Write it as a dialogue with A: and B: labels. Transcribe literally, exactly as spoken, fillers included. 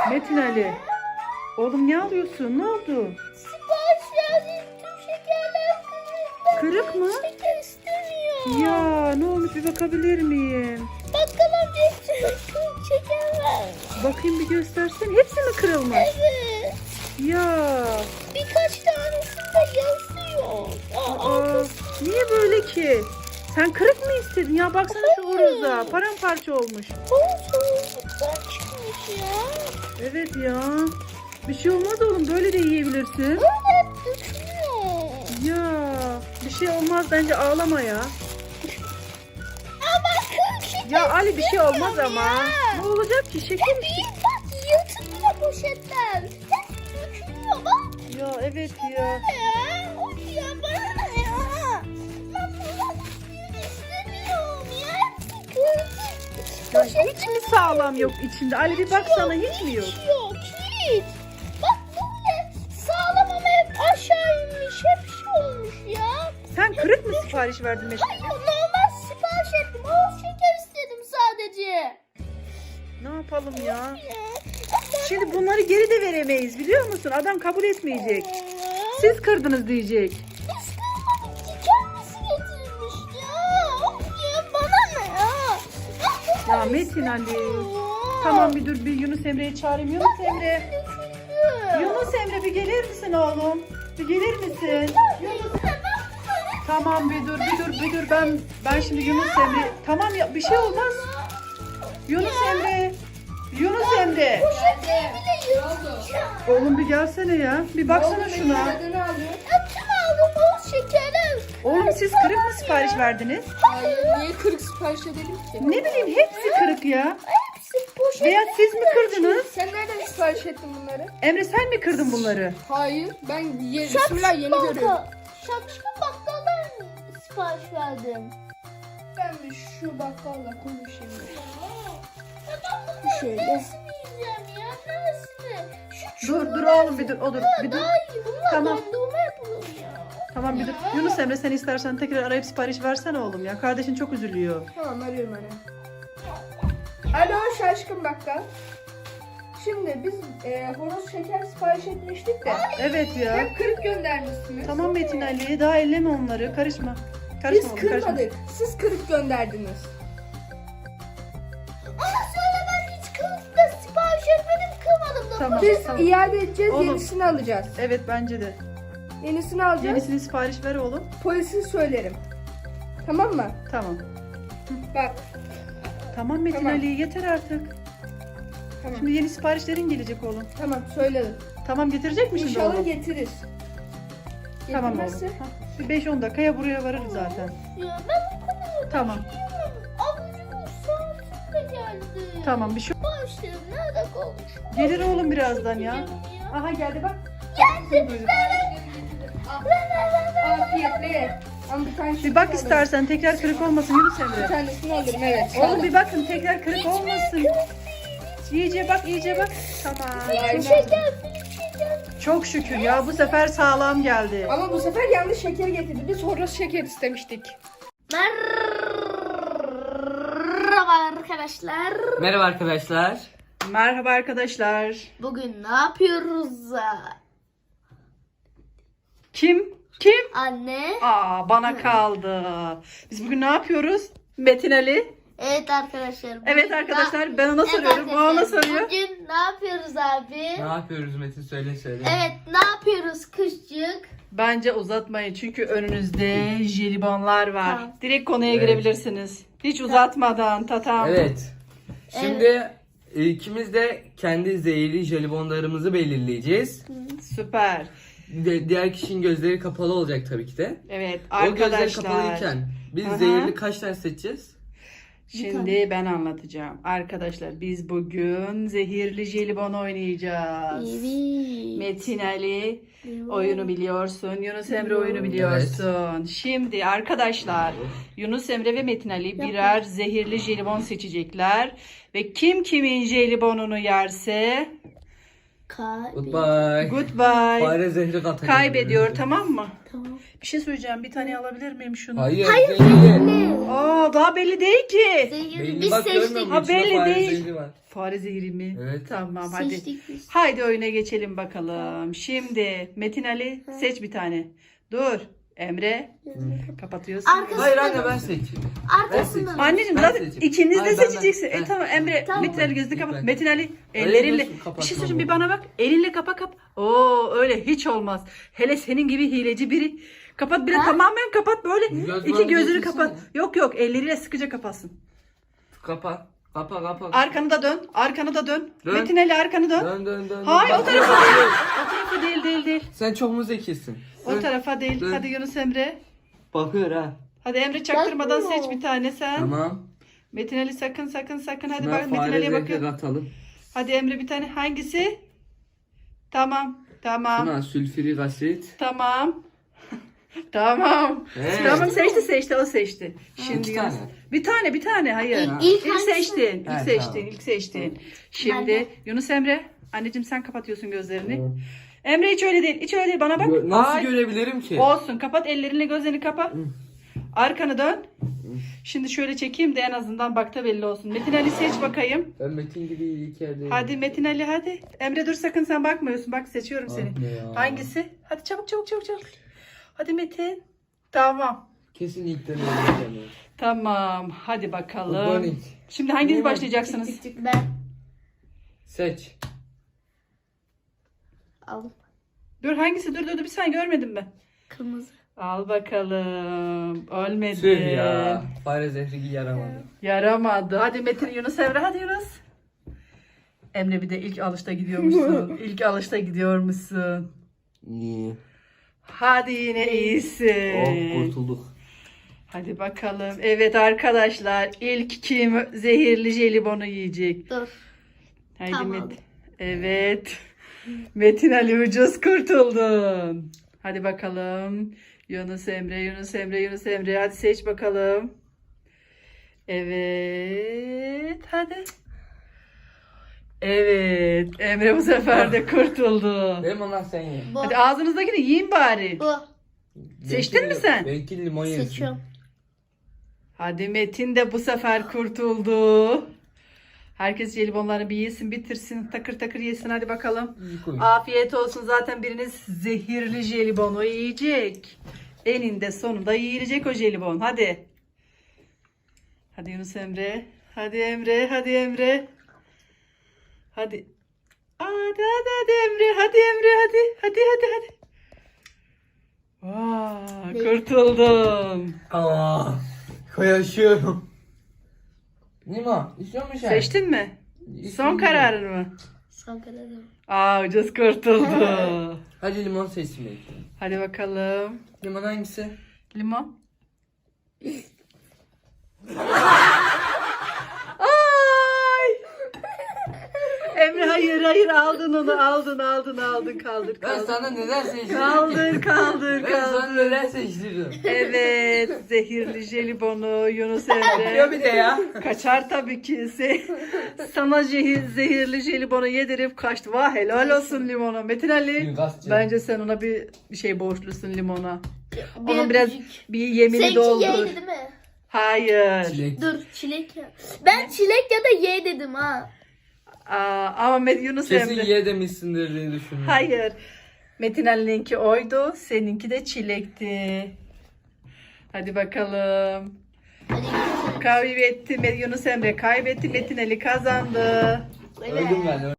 A: Metin Ali. Oğlum ne alıyorsun? Ne oldu?
B: Sipariş verdiğim tüm şekerler kırık.
A: Kırık mı?
B: Şeker istemiyor.
A: Ya ne olmuş, bir bakabilir miyim?
B: Bakkal amca hepsini kırık şeker ver.
A: Bakayım bir göstersen. Hepsi mi kırılmış?
B: Evet.
A: Ya.
B: Birkaç tanesinde yazıyor. Aa,
A: Aa, niye böyle ki? Sen kırık mı istedin? Ya baksana şu horoza. Paramparça olmuş.
B: Soğuktan çıkmış ya.
A: Evet ya. Bir şey olmaz oğlum. Böyle de yiyebilirsin.
B: Öyle düşünüyor.
A: Ya. Bir şey olmaz. Bence ağlama ya.
B: Ama kırık şeker
A: Ya Ali bir şey olmaz
B: istemiyorum
A: ama.
B: ya.
A: Ne olacak ki? Şeker
B: Hep
A: işte.
B: iyi bak yırtılıyor poşetler. Hep dökülüyor bak.
A: Ya evet ya.
B: Ya of ya bana ne ya. Ben bundan hiçbirini istemiyorum ya. Hepsi kırık.
A: Ya hiç mi sağlam yok içinde? Ali bir baksana, hiç mi yok?
B: Hiç yok hiç. Bak böyle sağlam ama hep aşağı inmiş. Hep şey olmuş ya.
A: Sen kırık mı sipariş verdin Metin?
B: Hayır normal sipariş ettim. Bol şeker istedim sadece.
A: Ne yapalım ya?
B: Ya.
A: Şimdi bunları geri de veremeyiz, biliyor musun? Adam kabul etmeyecek. Siz kırdınız diyecek.
B: Biz kırmadık ki kendisi getirmiş ya. Of ya bana ne ya.
A: Ya Metin Ali. Tamam bir dur, bir Yunus Emre'yi çağırayım. Yunus Emre. Yunus Emre bir gelir misin oğlum? Bir gelir misin? Tamam bir dur, bir dur, bir dur. Ben ben şimdi Yunus Emre. Tamam ya, bir şey olmaz. Yunus Emre. Yunus Emre. Oğlum bir gelsene ya. Bir baksana şuna.
B: Tüm aldım bol şekerim.
A: Oğlum siz kırık mı sipariş verdiniz?
C: Hayır, niye kırık sipariş edelim ki?
A: Ne bileyim, hepsi kırık ya.
B: Hepsi poşet.
A: Veya siz mi kırdınız?
C: Sen nereden sipariş ettin bunları?
A: Emre sen mi kırdın bunları?
C: Hayır, ben ye bismillah yeni görüyorum.
B: Şapşıklı bakkaldan sipariş verdim.
C: Ben bir şu bakkalla konuşayım.
B: Ya ben bunları
C: Şöyle.
B: nasıl yiyeceğim ya? Neresini? Şu
A: Dur dur oğlum bir dur, o dur. Bir dur.
B: daha iyi. Bunlar
A: Tamam.
B: dondurma yapılır ya.
A: Tamam bir dur. Yunus Emre sen istersen tekrar arayıp sipariş versene oğlum ya. Kardeşin çok üzülüyor.
C: Tamam, arıyorum anne. Alo şaşkın bakkal. Şimdi biz e, horoz şeker sipariş etmiştik de.
A: Evet ya.
C: Hep kırık göndermişsiniz.
A: Tamam Metin Ali, daha elleme onları. Karışma. Karışma
C: Biz
A: oğlum, karışma.
C: kırmadık. Siz kırık gönderdiniz.
B: Ama söyle ben hiç kılıf da sipariş etmedim. Kırmadım da.
A: Tamam.
C: Biz
A: tamam.
C: iade edeceğiz,
A: Oğlum.
C: yenisini alacağız.
A: Evet bence de.
C: Yenisini alacağız.
A: Yenisini sipariş ver oğlum.
C: Polise söylerim. Tamam mı?
A: Tamam.
C: Bak.
A: Tamam Metin
C: Tamam.
A: Ali, yeter artık.
C: Tamam.
A: Şimdi yeni siparişlerin gelecek oğlum.
C: Tamam söyledim.
A: Tamam, getirecek mi şimdi
C: İnşallah
A: oğlum?
C: getirir.
A: Tamam oğlum.
C: Getirmezse-
A: Ha, bir beş on dakikaya buraya varırız zaten.
B: Ya ben bu kadar
A: Tamam.
B: abucumuz saatim de geldi.
A: Tamam bir şey.
B: Başlarım nerede kalmış?
A: Gelir oğlum birazdan ya.
B: Ya.
A: Aha geldi bak.
B: Geldi.
A: Buyurun.
C: Afiyetle ye. Ama bir tane
A: Bir bak istersen, tekrar kırık olmasın Yunus
C: Bir
A: Emre.
C: tanesini alırım evet.
A: Oğlum bir bakın, tekrar kırık olmasın. İyice bak, iyice bak. Tamam.
C: Aynen.
B: Şeker, büyük şeker.
A: Çok şükür ya, bu sefer sağlam geldi.
C: Ama bu sefer yanlış şeker getirdi. Biz horoz şeker istemiştik.
B: Merhaba arkadaşlar.
D: Merhaba arkadaşlar.
A: Merhaba arkadaşlar.
B: Bugün ne yapıyoruz?
A: Kim? Kim?
B: Anne.
A: Aa, bana kaldı. Biz bugün ne yapıyoruz? Metin Ali.
B: Evet arkadaşlar. bugün
A: Evet
B: ne-
A: arkadaşlar, ben ona
B: Evet
A: soruyorum. O ona
B: arkadaşlar,
A: soruyor.
B: Bugün ne yapıyoruz abi?
D: Ne yapıyoruz Metin, söyle söyle.
B: Evet ne yapıyoruz kışçık?
A: Bence uzatmayın çünkü önünüzde jelibonlar var.
B: Tamam.
A: Direkt konuya
D: Evet.
A: girebilirsiniz. Hiç uzatmadan tatam.
D: Evet. Şimdi ikimiz de kendi zehirli jelibonlarımızı belirleyeceğiz.
A: Süper.
D: De- diğer kişinin gözleri kapalı olacak tabii ki de.
A: Evet
D: O gözleri
A: arkadaşlar.
D: kapalıyken biz
A: Aha.
D: zehirli kaç tane seçeceğiz?
A: Şimdi ben anlatacağım. Arkadaşlar biz bugün zehirli jelibon oynayacağız.
B: Evet.
A: Metin Ali oyunu biliyorsun. Yunus Emre oyunu biliyorsun. Şimdi arkadaşlar Yunus Emre ve Metin Ali birer zehirli jelibon seçecekler. Ve kim kimin jelibonunu yerse
B: Kaybet.
D: Goodbye.
A: Goodbye.
D: Fare zehri katacak.
A: Kaybediyor, tamam mı?
B: Tamam.
A: Bir şey söyleyeceğim. Bir tane alabilir miyim şunu?
D: Hayır.
B: Hayır
D: zehri.
B: zehirli.
A: Aa, daha belli değil ki.
B: Zehirli.
D: Belli
B: Biz
D: bak, görmüyor
B: seçtik.
D: musun?
A: Ha,
D: İçinde
A: belli
D: fare
A: değil.
D: zehri var.
A: Fare zehri mi?
D: Evet.
A: Tamam, hadi.
B: Seçtik biz.
A: Haydi oyuna geçelim bakalım. Şimdi Metin Ali seç bir tane. Dur. Emre kapatıyorsun.
B: Arkası-
D: Hayır anne ben seçeyim.
B: Arkasından.
D: Ben
A: Anneciğim
D: Ben
A: zaten
D: seçeyim.
A: ikiniz de
D: Hayır, ben-
A: seçeceksin.
D: ben-
A: E tamam Emre,
B: Tamam.
A: Metin Ali gözünü kapat.
D: Ben-
A: Metin Ali
D: Hayır,
A: ellerinle.
D: nasıl
A: Bir
D: kapatmam
A: şey söyleyeyim, bir
D: bu?
A: bana bak. Elinle kapa kap. Oo, öyle hiç olmaz. Hele senin gibi hileci biri. Kapat bile, tamamen kapat böyle.
D: Göz
A: İki
D: bandı
A: gözünü
D: getirsene.
A: kapat. Yok yok, elleriyle sıkıca kapatsın.
D: Kapa. Kapa kapa.
A: Arkanı da dön. Arkanı da dön.
D: Dön.
A: Metin Ali arkanı dön.
D: Dön dön dön.
A: Hayır,
D: Bak,
A: o tarafa
D: bak,
A: değil.
D: bak.
A: O tarafa değil değil değil.
D: Sen çok mu zekisin?
A: O
D: Dön.
A: tarafa değil.
D: Dön.
A: Hadi Yunus Emre.
D: Bakıyor ha.
A: Hadi Emre çaktırmadan
B: Bakmıyor.
A: seç bir tane sen.
D: Tamam.
A: Metin Ali sakın sakın sakın. Hadi
D: Şuna
A: bak, Metin
D: fare
A: Ali'ye
D: zehri
A: bakın.
D: katalım.
A: Hadi Emre bir tane. Hangisi? Tamam. Tamam.
D: Şuna sülfürik asit.
A: Tamam. Tamam.
D: Evet.
A: Tamam, seçti seçti, o seçti. Şimdi
D: İki
A: Yunus-
D: tane.
A: Bir tane bir tane hayır.
B: İlk-
A: İlk,
B: ilk hangisi?
A: seçtin. İlk
D: Evet,
A: seçtin.
D: tamam.
A: ilk seçtin. Şimdi
B: Ben de.
A: Yunus Emre, anneciğim sen kapatıyorsun gözlerini. Emre hiç öyle değil. Hiç öyle değil. Bana bak.
D: Gö- Nasıl
A: Ay.
D: görebilirim ki?
A: Olsun. Kapat ellerinle, gözlerini kapa. Arkanı dön. Şimdi şöyle çekeyim de en azından bakta belli olsun. Metin Ali seç bakayım.
D: Ben Metin gibi ilk yerdeyim.
A: Hadi Metin Ali hadi. Emre dur, sakın sen bakmıyorsun. Bak, seçiyorum seni.
D: Ah be ya.
A: Hangisi? Hadi çabuk çabuk çabuk çabuk. Hadi Metin. Tamam.
D: Kesin ilk deneyeceğim.
A: Tamam. Hadi bakalım.
D: Organik.
A: Şimdi hanginiz
D: Niye?
A: başlayacaksınız?
B: Ben
D: Seç.
B: aldım.
A: Dur, hangisi? Dur dur dur, bir saniye, görmedim ben.
B: Kırmızı.
A: Al bakalım. Ölmedi.
D: Tüh ya. Fare zehri yaramadı.
A: Yaramadı. Hadi Metin, Yunus Emre, hadi Yunus. Emre bir de ilk alışta gidiyormuşsun. İlk alışta gidiyormuşsun.
D: İyi.
A: Hadi yine iyisin.
D: Oh kurtulduk.
A: Hadi bakalım. Evet arkadaşlar, ilk kim zehirli jelibonu yiyecek?
B: Dur.
A: Haydi
B: Tamam.
A: Metin. Evet. Metin Ali, ucuz kurtuldun. Hadi bakalım. Yunus Emre, Yunus Emre, Yunus Emre. Hadi seç bakalım. Evet. Hadi. Evet. Emre bu sefer de kurtuldu.
D: Benim ondan sen ye.
B: Bu.
A: Hadi ağzınızdakini yiyin bari.
B: Bu.
A: Seçtin mi sen?
D: Benimki limon yesin.
B: Seçiyorum.
A: Hadi Metin de bu sefer kurtuldu. Herkes jelibonlarını bir yesin, bitirsin, takır takır yesin. Hadi bakalım.
D: İyi koy.
A: Afiyet olsun. Zaten biriniz zehirli jelibonu yiyecek. Eninde sonunda yiyecek o jelibon. Hadi. Hadi Yunus Emre. Hadi Emre. Hadi Emre. Hadi. Hadi hadi hadi Emre. Hadi Emre. Hadi. Hadi hadi hadi. Vaa, kurtuldum.
D: Aa, koyaşıyorum. Nima, istiyor musun sen?
A: Seçtin mi? Son kararın mı?
B: Son kararım.
A: Aa, ucuz kurtuldu.
D: Hadi limon seçsin belki.
A: Hadi bakalım.
D: Limon hangisi?
A: Limon. Ay! Emre hayır hayır, aldın onu, aldın aldın aldın, kaldır
D: Ben
A: kaldır.
D: sana neden seçtirdim?
A: Kaldır kaldır
D: Ben sana
A: kaldır.
D: neden seçtirdim?
A: Evet, zehirli jelibonu Yunus
D: Diyor
A: Emre.
D: bir de ya.
A: Kaçar tabii ki. Se- Sana zehir, zehirli jelibonu yedirip kaçtı. Vah, helal olsun limona. Metin Ali,
D: Suikastçı.
A: bence sen ona bir bir şey borçlusun, limona.
B: Bir
A: Onun biraz
B: öpücük.
A: bir yemini
B: Seninki
A: doldur.
B: ye değil mi?
A: Hayır.
D: Çilek.
B: Dur çilek ya. Ben çilek ya da ye dedim ha.
A: Aa, ama Met- Yunus
D: Kesin
A: Emre.
D: ye demişsindir diye düşündüm.
A: Hayır. Metin Ali'ninki oydu. Seninki de çilekti. Hadi bakalım.
B: Hadi gidelim.
A: Kaybetti. Yunus Emre kaybetti. Metin Ali kazandı.
B: Evet.
D: Öldüm ben.